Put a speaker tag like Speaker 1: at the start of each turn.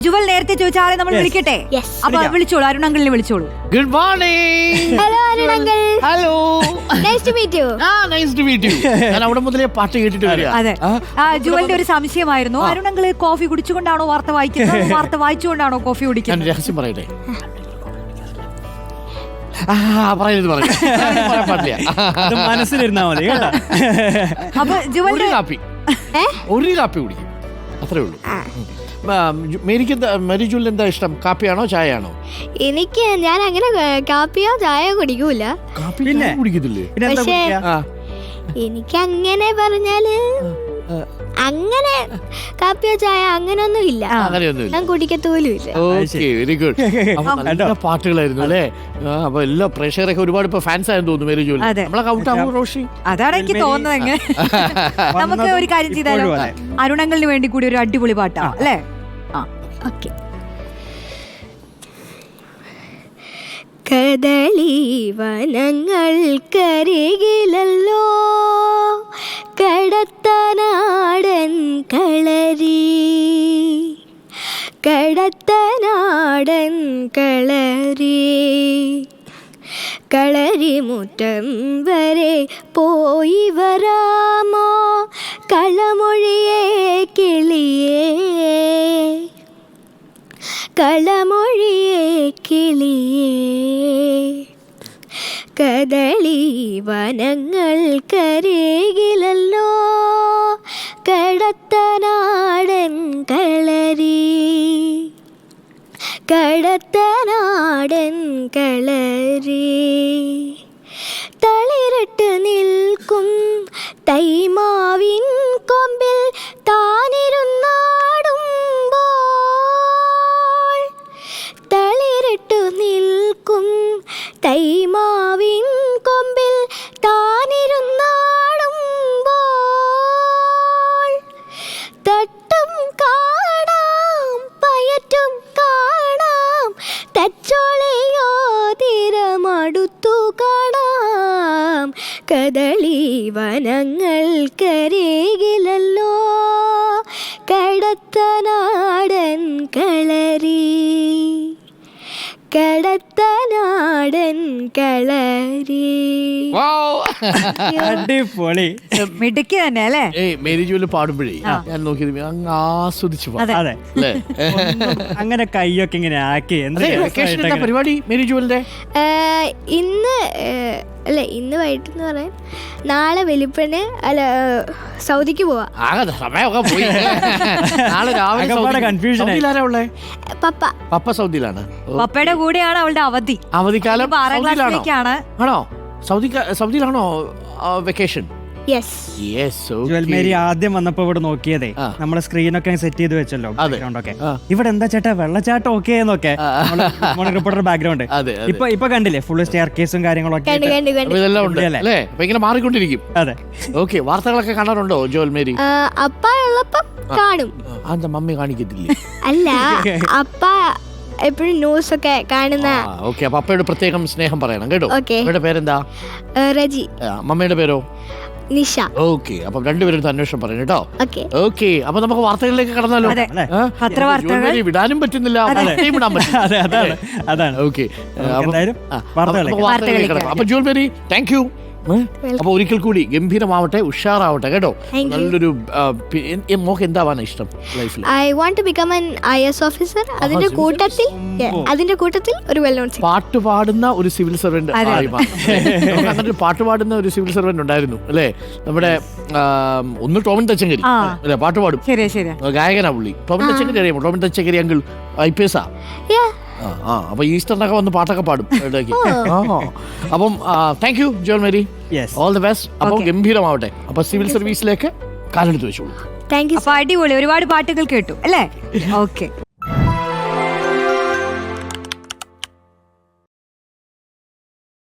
Speaker 1: ജുവൽ നേരത്തെ ചോദിച്ച ആളെ നമ്മൾ വിളിക്കട്ടെ. അപ്പൊ വിളിച്ചോളൂ, അരുൺ അങ്കിളിനെ വിളിച്ചോളൂ.
Speaker 2: Good morning.
Speaker 3: Hello Arun uncle.
Speaker 2: Hello.
Speaker 3: Nice to meet you.
Speaker 2: Nice to meet you. ഞാൻ അവിടെ മുതലേ പാട്ട് കേട്ടിട്ട് വരിക.
Speaker 1: അതെ, ജുവലിന്റെ ഒരു സംശയമായിരുന്നു, അരുൺ അങ്കിള് കോഫി കുടിച്ചുകൊണ്ടാണോ വാർത്ത വായിക്കുന്നത്, വാർത്ത വായിച്ചുകൊണ്ടാണോ കോഫി കുടിക്കുന്നത്?
Speaker 2: ഞാൻ രഹസ്യം പറയട്ടെ. പറയാൻ പാടില്ല.
Speaker 4: മനസ്സിലിരുന്നാ മതി.
Speaker 1: അപ്പൊ ജുവലിന്റെ
Speaker 2: ഒരു കാപ്പി കുടിക്കും, അത്രേ ഉള്ളൂ. മേരി ജുവൽ എന്താ ഇഷ്ടം, കാപ്പിയാണോ ചായയാണോ?
Speaker 3: എനിക്ക് ഞാൻ അങ്ങനെ കാപ്പിയോ ചായയോ കുടിക്കൂല.
Speaker 2: കാപ്പി കുടിക്കത്തില്ലേ?
Speaker 3: പക്ഷേ എനിക്ക് അങ്ങനെ പറഞ്ഞാല് അങ്ങനെ കാപ്പിയോ ചായ അങ്ങനൊന്നും ഇല്ല, ഞാൻ കുടിക്കത്തോലും ഇല്ല.
Speaker 2: Very good. നല്ല പാട്ടുകളായിരുന്നു അല്ലേ? അപ്പൊ എല്ലാ പ്രേക്ഷകരൊക്കെ ഒരുപാട് ഇപ്പൊ ഫാൻസ് ആയെന്ന് തോന്നുന്നു മേരി ജുവൽ. നമ്മളൊക്കെ ഔട്ട് ആവും റോഷി.
Speaker 1: അതാണ് എനിക്ക് തോന്നുന്നത്. എങ്ങനെ നമുക്ക് ഒരു കാര്യം ചെയ്താലോ, അരുൺ അങ്കിളിന് വേണ്ടി കൂടി ഒരു അടിപൊളി പാട്ടാ അല്ലേ?
Speaker 3: ഓക്കെ. കദളി വനങ്ങൾക്കരികിലല്ലോ കടത്തനാടൻ കളരി, കടത്തനാടൻ കളരി, കളരിമുറ്റം വരെ പോയി വരാമോ കളമൊഴിയേ കിളിയേ, കളമൊഴിയേ കിളിയേ. കദളി വനങ്ങൾക്കരികിലല്ലോ കടത്തനാടൻ കളരി, കടത്തനാടൻ കളരി. തളിരിട്ട് നിൽക്കും തൈമാവിൻ കൊമ്പിൽ താനിരുന്നാടുമ്പോൾ, തളിരിട്ടു നിൽക്കും തൈമാവിൻ കൊമ്പിൽ താനിരുന്നാടുമ്പോൾ, തട്ടും കാണാം പയറ്റും കാണാം തച്ചോളയോ തീരമടുത്തു കാണാം. കദളി വനങ്ങൾക്കരികിലല്ലോ കടത്തനാടൻ കളരി, കടത്തനാടൻ കളരി.
Speaker 4: അടിപൊളി,
Speaker 1: മിടുക്കി തന്നെ അല്ലേ?
Speaker 2: മേരി ജുവൽ പാടുമ്പോഴേ ഞാൻ നോക്കിയത് അങ്ങ് ആസ്വദിച്ചു.
Speaker 4: അതെ, അങ്ങനെ കൈയൊക്കെ ഇങ്ങനെ ആക്കി.
Speaker 2: എന്താ പരിപാടി മേരി ജുവലിന്റെ?
Speaker 3: ഇന്ന് അല്ല, ഇന്ന് വൈകിട്ടെന്ന് പറയാൻ നാളെ വെളുപ്പിന് അല്ല സൗദിക്ക് പോവാ.
Speaker 2: സമയമൊക്കെ പോയി. നാളെ രാവിലെ സൗദിയിലാരാ ഉള്ളേ?
Speaker 3: പപ്പ.
Speaker 2: പപ്പ സൗദിയിലാണ്.
Speaker 1: പപ്പയുടെ കൂടെയാണ് അവളുടെ അവധി.
Speaker 2: അവധിക്കാലം
Speaker 1: 6ാം ക്ലാസ്സിലേക്കാണ്.
Speaker 2: ആണോ? സൗദിയിലാണോ വെക്കേഷൻ?
Speaker 4: മേരി ആദ്യം വന്നപ്പോ ഇവിടെ നോക്കിയതേ, നമ്മളെ സ്ക്രീനൊക്കെ സെറ്റ് ചെയ്ത് വെച്ചല്ലോ ബാക്ക്ഗ്രൗണ്ടൊക്കെ. ഇവിടെ എന്താ ചേട്ടാ വെള്ളച്ചാട്ടം ഓക്കെ എന്നൊക്കെ റിപ്പോർട്ടർ ബാക്ക്ഗ്രൗണ്ട്. ഇപ്പൊ കണ്ടില്ലേ ഫുള്ള് സ്റ്റെയർ കേസും കാര്യങ്ങളൊക്കെ
Speaker 2: ഇതെല്ലാം ഉണ്ട് അല്ലേ? ഇങ്ങനെ മാറിക്കൊണ്ടിരിക്കും.
Speaker 4: അതെ.
Speaker 2: ഓക്കെ, വാർത്തകളൊക്കെ കാണാറുണ്ടോ ജുവൽ മേരി?
Speaker 3: അപ്പ ഉള്ളപ്പം കാണും.
Speaker 2: അതെന്താ മമ്മി കാണിക്കത്തില്ലേ?
Speaker 3: അല്ല, അപ്പ എപ്പോഴും ന്യൂസ് ഒക്കെ കാണുന്ന.
Speaker 2: ഓക്കെ, അപ്പൊ അപ്പയോട് പ്രത്യേകം സ്നേഹം പറയണം കേട്ടോ. അമ്മയുടെ പേരെന്താ?
Speaker 3: റജി.
Speaker 2: മമ്മയുടെ പേരോ?
Speaker 3: നിഷ.
Speaker 2: ഓക്കെ, അപ്പൊ രണ്ടുപേരും അന്വേഷണം പറയണം കേട്ടോ. ഓക്കെ, അപ്പൊ നമുക്ക് വാർത്തകളിലേക്ക് കടന്നാലോ? വിടാനും പറ്റുന്നില്ല, വിടാൻ പറ്റില്ല. ഓക്കെ, അപ്പൊ ജുവൽ മേരി താങ്ക് യു. അപ്പൊ ഒരിക്കൽ കൂടി ഗംഭീരമാവട്ടെ, ഉഷാറാവട്ടെ കേട്ടോ. നല്ലൊരു മോക്ക് എന്താവാനാ ഇഷ്ടം ലൈഫിൽ?
Speaker 3: I want to become an IAS officer. അതിന്റെ കൂട്ടത്തിൽ ഒരു വെൽ നോൺ
Speaker 2: പാട്ട് പാടുന്ന ഒരു സിവിൽ സർവന്റ്. അങ്ങനെ പാട്ട് പാടുന്ന ഒരു സിവിൽ സർവന്റ് ഉണ്ടായിരുന്നു അല്ലേ നമ്മുടെ? ഒന്ന് ടോമിൻ തച്ചങ്കരി അല്ലെ, പാട്ട് പാടും, ഗായകനാ പുള്ളി. ടോമിൻ തച്ചങ്കരി അറിയാമോ? ടോമിൻ തച്ചങ്കരി അങ്കിൾ IPS ആ. അപ്പൊ ഈസ്റ്ററിനൊക്കെ വന്ന് പാട്ടൊക്കെ പാടും ഇടയ്ക്ക്. അപ്പം thank you Jewel Mary, all the best. അപ്പം ഗംഭീരമാവട്ടെ. അപ്പൊ സിവിൽ സർവീസിലേക്ക് കാലെടുത്ത് വെച്ചോളൂ.
Speaker 1: അപ്പൊ അടിപൊളി, ഒരുപാട് പാട്ടുകൾ കേട്ടു അല്ലേ? ഓക്കെ.